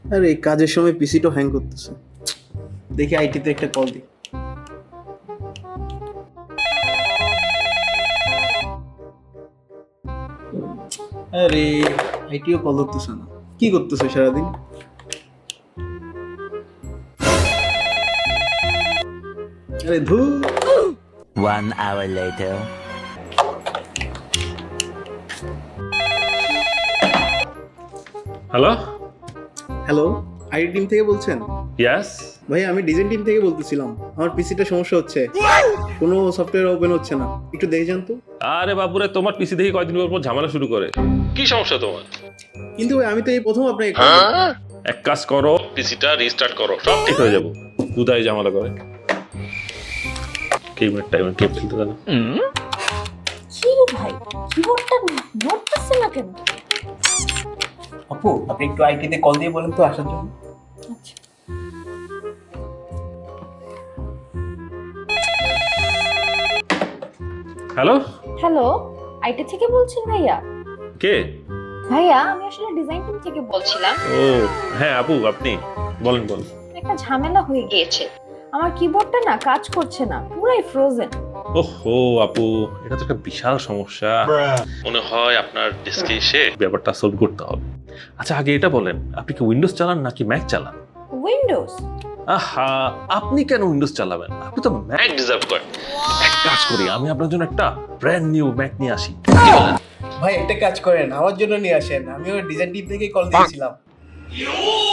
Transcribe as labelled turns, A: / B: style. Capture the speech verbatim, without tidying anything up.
A: আরে কাজের সময় পিসিটা হ্যাং করতেছে, দেখি আইটিতে একটা কল দিই। আরে আইটিও কল ধরতেছে না, কি করতেছে সারাদিন? আরে ধুর।
B: One hour later.
C: Hello,
A: hello, IT team থেকে বলছেন?
C: ইয়াস।
A: ভাই আমি ডিজাইন টিম থেকে বলতেছিলাম, আমার পিসিটা সমস্যা হচ্ছে, কোনো সফটওয়্যার ওপেন হচ্ছে না, একটু দেখে যান তো।
C: আরে বাবুরে, তোমার পিসি দেখি কয়দিন পর পর ঝামেলা শুরু করে। কি সমস্যা তোমার?
A: কিন্তু ভাই আমি তো এই প্রথম আপনাকে call দিলাম।
C: এক কাজ করো, পিসিটা রিস্টার্ট করো, সব ঠিক হয়ে যাবো। দুদাই ঝামেলা করে। কি মিনিট টাইম কে ফেলতে দেন?
D: কি রে ভাই, কিবোর্ডটা নড়তেছে না কেন?
A: আপু আপনি একটু আইটিতে কল দিয়ে বলেন তো আসার জন্য।
D: আচ্ছা,
C: হ্যালো,
D: হ্যালো, আইটি থেকে বলছেন ভাইয়া?
C: কে?
D: ভাইয়া আমি আসলে ডিজাইন টিম থেকে বলছিলাম।
C: ও হ্যাঁ আপু, আপনি বলেন বলেন।
D: একটা ঝামেলা হয়ে গিয়েছে, আমার কিবোর্ডটা না কাজ করছে না, পুরাই ফ্রোজেন।
C: ওহো আপু, এটা তো একটা বিশাল সমস্যা। মনে হয় আপনার ডেস্কে এসে ব্যাপারটা সলভ করতে হবে। আচ্ছা আগে এটা বলেন, আপনি কি উইন্ডোজ চালান নাকি ম্যাক চালান?
D: উইন্ডোজ।
C: আহা, আপনি কেন উইন্ডোজ চালাবেন? আপনি তো ম্যাক ডিজার্ভ করেন। এক কাজ করি, আমি আপনার জন্য একটা ব্র্যান্ড নিউ ম্যাক নিয়ে আসি। কি বলেন?
A: ভাই একটা কাজ করেন, আমার জন্য নিয়ে আসেন, আমি ওই ডিজাইন টিম থেকে কল দিয়েছিলাম।